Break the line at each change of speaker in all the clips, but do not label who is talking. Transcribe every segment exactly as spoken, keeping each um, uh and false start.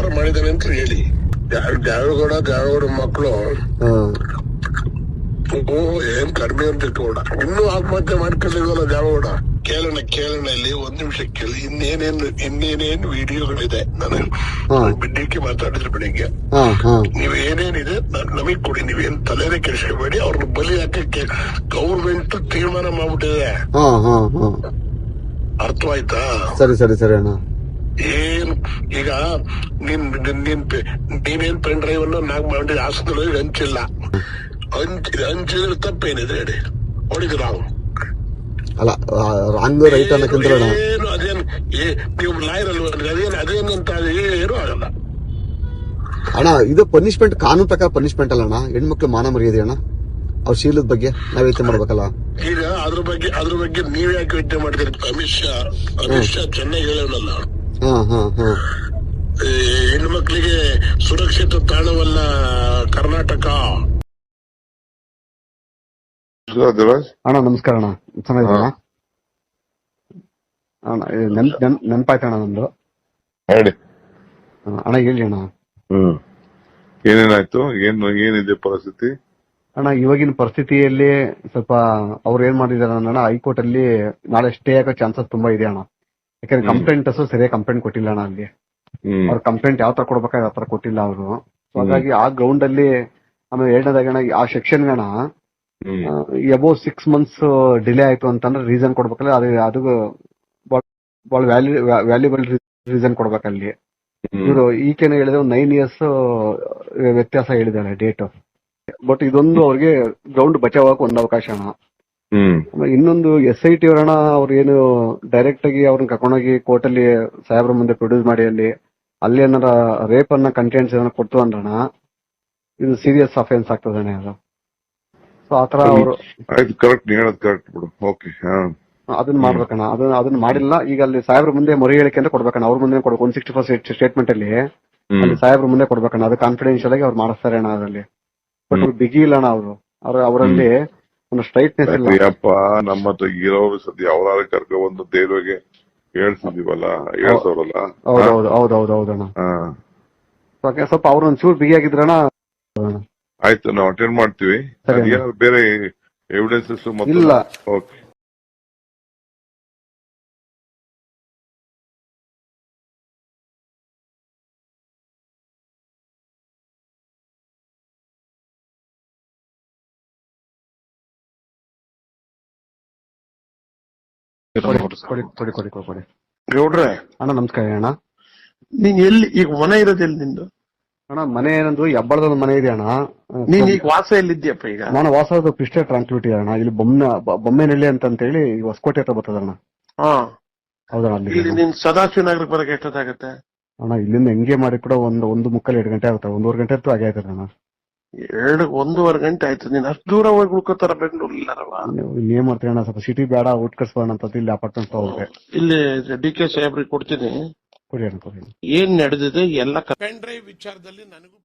ಮಾಡಿದಾನೆ ಅಂತ ಹೇಳಿ ದ್ಯಾವೇಗೌಡ ದ್ಯಾವೇಗೌಡ ಮಕ್ಕಳು ಏನ್ ಕಡಿಮೆ ಅಂತ ಇಟ್ಕೊಂಡ ಇನ್ನೂ ಆತ್ಮಹತ್ಯೆ ಮಾಡ್ಕೊಂಡಿಲ್ವಲ್ಲ ದ್ಯಾವೇಗೌಡ. ಕೇಳೋಣ ಕೇಳೋಣ ಇಲ್ಲಿ ಒಂದ್ ನಿಮಿಷ ಕೇಳಿ. ಇನ್ನೇನೇನು ಇನ್ನೇನೇನ್ ವಿಡಿಯೋಗಳಿದೆ ನಾನು ಬಿಡ್ಡಿಕ್ಕೆ ಮಾತಾಡಿದ್ರೆ ಬೆಳಿಗ್ಗೆ. ನೀವ್ ಏನೇನಿದೆ ನಮಗ್ ಕೊಡಿ, ನೀವೇನ್ ತಲೆನೇ ಕೆಡಿಸ್ಕೋಬೇಡಿ. ಅವ್ರನ್ನ ಬಲಿ ಹಾಕಕ್ಕೆ ಗೌರ್ಮೆಂಟ್ ತೀರ್ಮಾನ ಮಾಡ್ಬಿಟ್ಟಿದೆ. ಅರ್ಥವಾಯ್ತಾ? ಸರಿ ಸರಿ ಸರಿ ಅಣ್ಣ. ಏನ್ ಈಗ ನೀನ್ ನೀನ್ ನೀವೇನ್ ಪೆನ್ ಡ್ರೈವ್ ಅನ್ನು ನಾಕ್ ಮಾಡಿ ಹಾಸನದಲ್ಲಿ ಹಂಚಿಲ್ಲ, ಹಂಚ ಹಂಚಿದ್ರೆ ತಪ್ಪೇನಿದೆ ಹೇಳಿ? ಹೊಡಿದ್ರು ನಾವು
ಅಲ್ಲ ರಾಂಗ್ ರೈಟ್ ಅನ್ನಕ್ಕಿಂತ
ಏನು ಅದೇನ್ ನೀವು ಲಾಯರ್ ಅಲ್ವ? ಅದೇನ್ ಅದೇನಂತ ಏನು ಆಗಲ್ಲ
ಅಣ್ಣ. ಇದು ಪನಿಷ್ಮೆಂಟ್ ಕಾನೂನು ಪ್ರಕಾರ ಪನಿಷ್ಮೆಂಟ್ ಅಲ್ಲ ಅಣ್ಣ. ಹೆಣ್ಮಕ್ಳು ಮಾನ ಮರ್ಯಾದೆ ಅಣ್ಣ. ಅವ್ರ ಶೀಲದ ಬಗ್ಗೆ ನಾವ್ ಯೋಚನೆ ಮಾಡ್ಬೇಕಲ್ಲ.
ಈಗ ಅದ್ರ ಬಗ್ಗೆ ಅದ್ರ ಬಗ್ಗೆ ನೀವ್ ಯಾಕೆ ಯೋಚನೆ ಮಾಡ್ತೀರಿ? ಅಮಿತ್ ಶಾ ಅಮಿತ್ ಶಾ ಚೆನ್ನಾಗಿ ಹೇಳೋಣಲ್ಲ.
ಹಾ ಹಾ ಹಾ
ಹೆಣ್ಣು ಮಕ್ಕಳಿಗೆ ಸುರಕ್ಷಿತ ತಾಣವಲ್ಲ ಕರ್ನಾಟಕ.
ಅಣ್ಣ ನಮಸ್ಕಾರ ಅಣ್ಣ, ಚೆನ್ನಾಗಿದ್ದೀರಾ ಅಣ್ಣ? ನೆನ್ ನೆನಪಾಯ್ತಣ್ಣ ನಮ್ದು.
ಹೇಳಿ
ಅಣ್ಣ. ಹೇಳಿ ಅಣ್ಣ.
ಹ್ಮ್ ಏನೇನಾಯ್ತು? ಏನ್ ಏನಿದೆ ಪರಿಸ್ಥಿತಿ
ಅಣ್ಣ? ಇವಾಗಿನ ಪರಿಸ್ಥಿತಿಯಲ್ಲಿ ಸ್ವಲ್ಪ ಅವ್ರು ಏನ್ ಮಾಡಿದಾರೆ ಅಣ್ಣ, ಹೈಕೋರ್ಟ್ ಅಲ್ಲಿ ನಾಳೆ ಸ್ಟೇ ಆಗೋ ಚಾನ್ಸಸ್ ತುಂಬಾ ಇದೆ ಅಣ್ಣ. ಯಾಕಂದ್ರೆ ಕಂಪ್ಲೇಂಟರ್ಸ್ ಸರಿಯಾಗಿ ಕಂಪ್ಲೇಂಟ್ ಕೊಟ್ಟಿಲ್ಲ ಅಣ್ಣ. ಅಲ್ಲಿ ಅವ್ರ ಕಂಪ್ಲೇಂಟ್ ಯಾವ ತರ ಕೊಡ್ಬೇಕಾದ್ರೆ ಯಾವ ತರ ಕೊಟ್ಟಿಲ್ಲ ಅವರು. ಸೊ ಹಾಗಾಗಿ ಆ ಗ್ರೌಂಡ್ ಅಲ್ಲಿ ಆಮೇಲೆ ಎರಡನೇದಾಗ ಅಣ್ಣ ಆ ಸೆಕ್ಷನ್ ಅಣ್ಣ ಎಬೋ ಸಿಕ್ಸ್ ಮಂತ್ಸ್ ಡಿಲೇ ಆಯ್ತು ಅಂತಂದ್ರೆ ರೀಸನ್ ಕೊಡ್ಬೇಕಲ್ಲ. ಅದು ಅದು ಬಹಳ ವ್ಯಾಲ್ಯೂ ವ್ಯಾಲ್ಯೂಬಲ್ ರೀಸನ್ ಕೊಡ್ಬೇಕಲ್ಲಿ. ಇವರು ಈಗೇನು ಹೇಳಿದ್ರೆ ಒಂದು ನೈನ್ ಇಯರ್ಸ್ ವ್ಯತ್ಯಾಸ ಹೇಳಿದಾರೆ ಡೇಟ್. ಬಟ್ ಇದೊಂದು ಅವ್ರಿಗೆ ಗ್ರೌಂಡ್ ಬಚಾವಕ್ಕೆ ಒಂದು ಅವಕಾಶ ಅಣ್ಣ. ಇನ್ನೊಂದು ಎಸ್ ಐ ಟಿ ಅವರಣ್ಣ, ಅವ್ರು ಏನು ಡೈರೆಕ್ಟ್ ಆಗಿ ಅವ್ರನ್ನ ಕರ್ಕೊಂಡೋಗಿ ಕೋರ್ಟ್ ಅಲ್ಲಿ ಸಾಹೇಬ್ರ ಮುಂದೆ ಪ್ರೊಡ್ಯೂಸ್ ಮಾಡಿ ಅಲ್ಲಿ ಅಲ್ಲಿ ಏನಾರ ರೇಪ್ ಅನ್ನ ಕಂಟೆಂಟ್ಸ್ ಏನಾರ ಕೊಡ್ತು ಅಂದ್ರಣ ಇದು ಸೀರಿಯಸ್ ಅಫೆನ್ಸ್ ಆಗ್ತದಣ್ಣ ಅದು. ಸೊ ಆತರ ಅವರು ಅದನ್ನ ಮಾಡ್ಬೇಕಣ್ಣ. ಅದನ್ನ ಅದನ್ನ ಮಾಡಿಲ್ಲ. ಈಗ ಅಲ್ಲಿ ಸಾಹೇಬ್ರ ಮುಂದೆ ಮೊರೆ ಹೇಳಿಕೆ ಅಂತ ಕೊಡ್ಬೇಕಣ್ಣ. ಅವ್ರ ಮುಂದೆ ಕೊಡ್ಬೇಕು. ಒನ್ ಸಿಕ್ಸ್ಟಿ ಫಸ್ಟ್ ಸ್ಟೇಟ್ಮೆಂಟ್ ಅಲ್ಲಿ ಅಲ್ಲಿ ಸಾಹೇಬ್ರ ಮುಂದೆ ಕೊಡ್ಬೇಕಣ್ಣ. ಅದು ಕಾನ್ಫಿಡೆನ್ಶಿಯಲ್ ಆಗಿ ಅವ್ರು ಮಾಡಿಸ್ತಾರೆ ಅಣ್ಣ ಅದರಲ್ಲಿ. ಬಟ್ ಅವ್ರು ಬಿಗಿ ಇಲ್ಲ ಅಣ್ಣ. ಅವರು ಅವ್ರ ಅವರಲ್ಲಿ ಒಂದು ಸ್ಟ್ರೈಟ್ನೆಸ್ ಇಲ್ಲ.
ನಮ್ಮ ಹತ್ರ ಇರೋರು ಸದ್ಯ ಅವರಾದ್ರೆ ಕರ್ಕೊ ಬಂದು ದೇವ್ರಿಗೆ ಹೇಳ್ತಿದೀವಲ್ಲ, ಹೇಳ್ತವ್ರಲ್ಲ.
ಹೌದೌದು ಹೌದೌದು ಹೌದಣ್ಣ. ಸ್ವಲ್ಪ ಅವ್ರ ಒಂಚೂರು ಬಿಗಿ ಆಗಿದ್ರಣ್ಣ.
ಆಯ್ತು, ನಾವು ಅಟೆಂಡ್ ಮಾಡ್ತೀವಿ. ಬೇರೆ ಎವಿಡೆನ್ಸಸ್
ಇಲ್ಲ.
ಓಕೆ.
ಕೊಡಿ ಕೊಡಿ ಕೊಡಿ.
ಗೌಡ್ರೆ
ಅಣ್ಣ ನಮಸ್ಕಾರ ಅಣ್ಣ.
ನೀನ್ ಎಲ್ಲಿ ಈಗ ಮನೆ ಇರೋದು ಎಲ್ಲಿ ನಿಂದು?
ಅಣ್ಣ ಮನೆ ಏನಂದ್ರು ಹೆಬ್ಬಳದ ಮನೆ ಇದೆ ಅಣ್ಣ.
ನೀನ್ ಈಗ ವಾಸ ಎಲ್ಲಿದ್ಯಪ್ಪ? ಈಗ
ನಾನು ವಾಸದ ಕ್ರಿಸ್ಟಲ್ ಟ್ರಾನ್ಸ್ಪಿಟಿ ಅಣ್ಣ. ಇಲ್ಲಿ ಬೊಮ್ಮೆ ಬೊಮ್ಮೆನಹಳ್ಳಿ ಅಂತ ಹೇಳಿ ಹೊಸಕೋಟೆ ಹತ್ರ ಬರ್ತದಣ್ಣ.
ಹಾ
ಹೌದಣ್ಣ.
ಅಲ್ಲಿ ನೀನ್ ಸದಾಶಿವ ನಗರಕ್ಕೆ ಬರಕ್ಕೆ ಎಷ್ಟೊತ್ತಾಗತ್ತೆ
ಅಣ್ಣ? ಇಲ್ಲಿಂದ ಹೆಂಗೆ ಮಾಡಿ ಕೂಡ ಒಂದು ಒಂದು ಮುಕ್ಕಲ್ ಎರಡು ಗಂಟೆ ಆಗುತ್ತೆ. ಒಂದೂವರೆ ಗಂಟೆ ಅಂತೂ ಆಗೇ ಆಯ್ತದ ಅಣ್ಣ.
ಎರಡು ಒಂದೂವರೆ ಗಂಟೆ ಆಯ್ತು. ನೀನ್ ಅಷ್ಟು ದೂರ ಹೋಗಿ ಉಳ್ಕೋತಾರ ಬೆಂಗಳೂರು ಇಲ್ಲಾರವಾ?
ಏನ್ ಮಾಡ್ತೀವಿ ಅಣ್ಣ, ಸ್ವಲ್ಪ ಸಿಟಿ ಬೇಡ, ಔಟ್ ಕಟ್ಸ್ಬೋಣ ಅಂತ ಇಲ್ಲಿ ಅಪಾರ್ಟ್ಮೆಂಟ್ ಹೋಗ್ರೆ
ಇಲ್ಲಿ ಡಿ ಕೆ ಸಾಹೇಬ್ರಿಗೆ ಕೊಡ್ತೀನಿ.
ಕೊಡಿ ಅಣ್ಣ ಕೊಡಿ.
ಏನ್ ನಡೆದಿದೆ ಎಲ್ಲ ಪೆನ್ ಡ್ರೈವ್ ವಿಚಾರದಲ್ಲಿ ನನಗೂ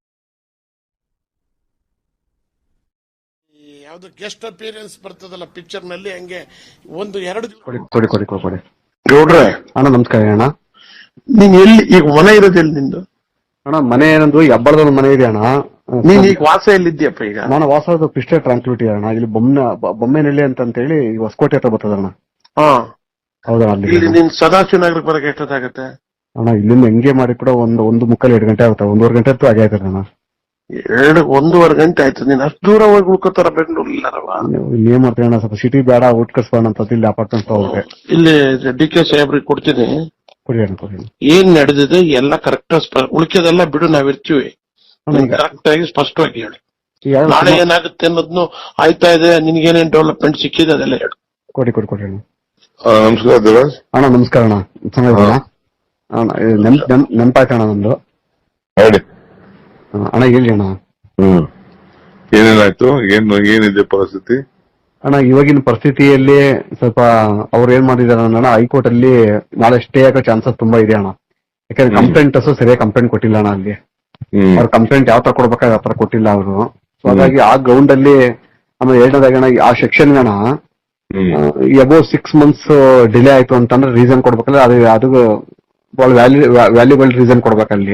ಯಾವ್ದು ಗೆಸ್ಟ್ ಅಪಿಯರೆನ್ಸ್ ಬರ್ತದಲ್ಲ ಪಿಕ್ಚರ್ ನಲ್ಲಿ, ಹಂಗೆ ಒಂದು ಎರಡು
ಕೊಡಿ ಕೊಡಿ ಕೊಡಿ ಕೊಡಿ.
ಗೌಡ್ರೆ
ಅಣ್ಣ ನಮಸ್ಕಾರ ಅಣ್ಣ.
ನೀನ್ ಎಲ್ಲಿ ಈಗ ಮನೆ ಇರೋದು ಎಲ್ಲಿ ನಿಂದು?
ಅಣ್ಣ ಮನೆ ಏನಂದ್ರು ಹೆಬ್ಬಳದ ಮನೆ ಇದೆ ಅಣ್ಣ.
ನೀನ್ ಈಗ ವಾಸ ಎಲ್ಲಿದ್ಯಪ್ಪ? ಈಗ
ನಾನು ವಾಸದ ಕ್ರಿಸ್ಟಲ್ ಟ್ರಾನ್ಸ್ಪಿಟಿ ಅಣ್ಣ. ಇಲ್ಲಿ ಬೊಮ್ಮೆ ಬೊಮ್ಮೆನಹಳ್ಳಿ ಅಂತ ಹೇಳಿ ಹೊಸಕೋಟೆ ಹತ್ರ ಬರ್ತದಣ್ಣ.
ಹಾ
ಹೌದಣ್ಣ. ಅಲ್ಲಿ
ನೀನ್ ಸದಾಶಿವ ನಗರಕ್ಕೆ ಬರಕ್ಕೆ ಎಷ್ಟೊತ್ತಾಗತ್ತೆ
ಅಣ್ಣ? ಇಲ್ಲಿಂದ ಹೆಂಗೆ ಮಾಡಿ ಕೂಡ ಒಂದು ಒಂದು ಮುಕ್ಕಲ್ ಎರಡು ಗಂಟೆ ಆಗುತ್ತೆ. ಒಂದೂವರೆ ಗಂಟೆ ಅಂತೂ ಆಗೇ ಆಯ್ತದ ಅಣ್ಣ.
ಎರಡು ಒಂದೂವರೆ ಗಂಟೆ ಆಯ್ತು. ನೀನ್ ಅಷ್ಟು ದೂರ ಹೋಗಿ ಉಳ್ಕೋತಾರ ಬೆಂಗಳೂರು ಇಲ್ಲಾರವಾ?
ಏನ್ ಮಾಡ್ತೀವಿ ಅಣ್ಣ, ಸ್ವಲ್ಪ ಸಿಟಿ ಬೇಡ, ಔಟ್ ಕಟ್ಸ್ಬೋಣ ಅಂತ ಇಲ್ಲಿ ಅಪಾರ್ಟ್ಮೆಂಟ್ ಹೋಗ್ರೆ
ಇಲ್ಲಿ ಡಿ ಕೆ ಸಾಹೇಬ್ರಿಗೆ ಕೊಡ್ತೀನಿ.
ಕೊಡಿ ಅಣ್ಣ ಕೊಡಿ.
ಏನ್ ನಡೆದಿದೆ ಎಲ್ಲ ಕರೆಕ್ಟ್, ಉಳಿಕೆದೆಲ್ಲ ಬಿಡು, ನಾವಿರ್ತೀವಿ. ಕರೆಕ್ಟ್ ಆಗಿ ಸ್ಪಷ್ಟವಾಗಿ ಹೇಳಿ. ನಾಳೆ ಏನಾಗುತ್ತೆ ಅನ್ನೋದ್ನು ಆಯ್ತಾ ಇದೆ. ನಿನ್ಗೇನೇನ್ ಡೆವಲಪ್ಮೆಂಟ್ ಸಿಕ್ಕಿದೆ ಅದೆಲ್ಲ ಹೇಳು.
ಕೊಡಿ ಕೊಡಿ ಕೊಡಿ ಅಣ್ಣ.
ನಮಸ್ಕಾರ ದೇವರಾಜ್
ಅಣ್ಣ. ನಮಸ್ಕಾರ ಅಣ್ಣ, ಚೆನ್ನಾಗಿದ್ದೀರಾ ಅಣ್ಣ? ನೆನಪಾಯ್ತಣ್ಣ ನಮ್ದು.
ಹೇಳಿ
ಅಣ್ಣ. ಹೇಳಿ ಅಣ್ಣ.
ಹ್ಮ್ ಏನೇನಾಯ್ತು? ಏನ್ ಏನಿದೆ ಪರಿಸ್ಥಿತಿ
ಅಣ್ಣ? ಇವಾಗಿನ ಪರಿಸ್ಥಿತಿಯಲ್ಲಿ ಸ್ವಲ್ಪ ಅವ್ರು ಏನ್ ಮಾಡಿದಾರೆ ಅಣ್ಣ, ಹೈಕೋರ್ಟ್ ಅಲ್ಲಿ ನಾಳೆ ಸ್ಟೇ ಆಗೋ ಚಾನ್ಸಸ್ ತುಂಬಾ ಇದೆ ಅಣ್ಣ. ಯಾಕಂದ್ರೆ ಕಂಪ್ಲೇಂಟರ್ಸ್ ಸರಿಯಾಗಿ ಕಂಪ್ಲೇಂಟ್ ಕೊಟ್ಟಿಲ್ಲ ಅಣ್ಣ. ಅಲ್ಲಿ ಅವ್ರ ಕಂಪ್ಲೇಂಟ್ ಯಾವ ತರ ಕೊಡ್ಬೇಕಾದ್ರೆ ಯಾವ ತರ ಕೊಟ್ಟಿಲ್ಲ ಅವರು. ಸೊ ಹಾಗಾಗಿ ಆ ಗ್ರೌಂಡ್ ಅಲ್ಲಿ ಆಮೇಲೆ ಎರಡನೇದಾಗ ಅಣ್ಣ ಆ ಸೆಕ್ಷನ್ ಅಣ್ಣ ಎಬೋ ಸಿಕ್ಸ್ ಮಂತ್ಸ್ ಡಿಲೇ ಆಯ್ತು ಅಂತಂದ್ರೆ ರೀಸನ್ ಕೊಡ್ಬೇಕಲ್ಲ. ಅದು ಅದು ಬಹಳ ವ್ಯಾಲ್ಯೂ ವ್ಯಾಲ್ಯೂಬಲ್ ರೀಸನ್ ಕೊಡ್ಬೇಕಲ್ಲಿ.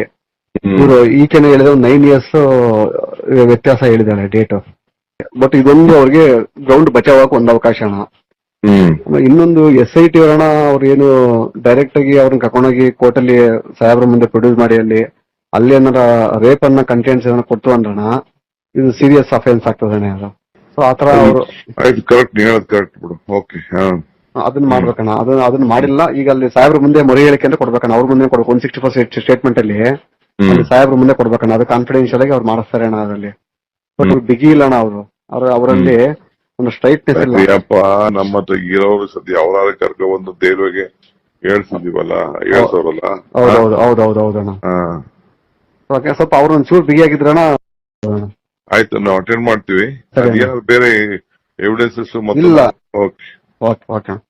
ಇವರು ಈಚೆನೆ ಹೇಳಿದ್ರೆ ಒಂದು ನೈನ್ ಇಯರ್ಸ್ ವ್ಯತ್ಯಾಸ ಹೇಳಿದಾರೆ ಡೇಟ್. ಬಟ್ ಇದೊಂದು ಅವ್ರಿಗೆ ಗ್ರೌಂಡ್ ಬಚಾವಕ್ಕೆ ಒಂದು ಅವಕಾಶ ಅಣ್ಣ.
ಹ್ಮ್
ಇನ್ನೊಂದು ಎಸ್ ಐ ಟಿ ಅವರಣ ಅವ್ರು ಏನು ಡೈರೆಕ್ಟ್ ಆಗಿ ಅವ್ರನ್ನ ಕರ್ಕೊಂಡೋಗಿ ಕೋರ್ಟ್ ಅಲ್ಲಿ ಸಾಹೇಬ್ರ ಮುಂದೆ ಪ್ರೊಡ್ಯೂಸ್ ಮಾಡಿ ಅಲ್ಲಿ ಅಲ್ಲಿ ಏನಾರ ರೇಪ್ ಅನ್ನ ಕಂಟೆಂಟ್ಸ್ ಏನಾರ ಕೊಡ್ತು ಅಂದ್ರಣ ಇದು ಸೀರಿಯಸ್ ಅಫೆನ್ಸ್ ಆಗ್ತದಣ್ಣ ಅದು. ಸೊ ಆತರ ಅವರು
ಆಯ್ತು, ಕರೆಕ್ಟ್, ನೀ ಹೇಳೋದು ಕರೆಕ್ಟ್ ಬಿಡು. ಓಕೆ,
ಅದನ್ನ ಮಾಡ್ಬೇಕಣ್ಣ. ಅದನ್ನ ಅದನ್ನ ಮಾಡಿಲ್ಲ. ಈಗ ಅಲ್ಲಿ ಸಾಹೇಬ್ರ ಮುಂದೆ ಮೊರೆ ಹೇಳಿಕೆ ಅಂತ ಕೊಡ್ಬೇಕಣ್ಣ. ಅವ್ರ ಮುಂದೆ ಕೊಡ್ಬೇಕು. ಒನ್ ಸಿಕ್ಸ್ಟಿ ಫೋರ್ ಸ್ಟೇಟ್ಮೆಂಟ್ ಅಲ್ಲಿ ಅಲ್ಲಿ ಸಾಹೇಬ್ರ ಮುಂದೆ ಕೊಡ್ಬೇಕಣ್ಣ. ಅದು ಕಾನ್ಫಿಡೆನ್ಶಿಯಲ್ ಆಗಿ ಅವ್ರು ಮಾಡಿಸ್ತಾರೆ ಅಣ್ಣ ಅದರಲ್ಲಿ. ಬಟ್ ಅವ್ರು ಬಿಗಿ ಇಲ್ಲ ಅಣ್ಣ. ಅವರು ಅವ್ರ ಅವರಲ್ಲಿ ಒಂದು ಸ್ಟ್ರೈಟ್ನೆಸ್ ಇಲ್ಲ.
ಅಪ್ಪ ನಮ್ಮ ಹತ್ರ ಇರೋರು ಸದ್ಯ ಅವರಾದ್ರೆ ಕರ್ಕೊ ಬಂದು ದೇವ್ರಿಗೆ ಹೇಳ್ಸಿದೀವಲ್ಲ, ಹೇಳ್ಸೋರಲ್ಲ.
ಹೌದೌದು ಹೌದೌದು ಹೌದಣ್ಣ.
ಹಾ
ಸ್ವಲ್ಪ ಅವ್ರ ಒಂಚೂರು ಬಿಗಿ ಆಗಿದ್ರಣ್ಣ.
ಆಯ್ತು, ನಾವು ಅಟೆಂಡ್ ಮಾಡ್ತೀವಿ.
ಸರಿ.
ಅದೇನಾದ್ರು ಬೇರೆ ಎವಿಡೆನ್ಸಸ್
ಇಲ್ಲ.
Okay
okay okay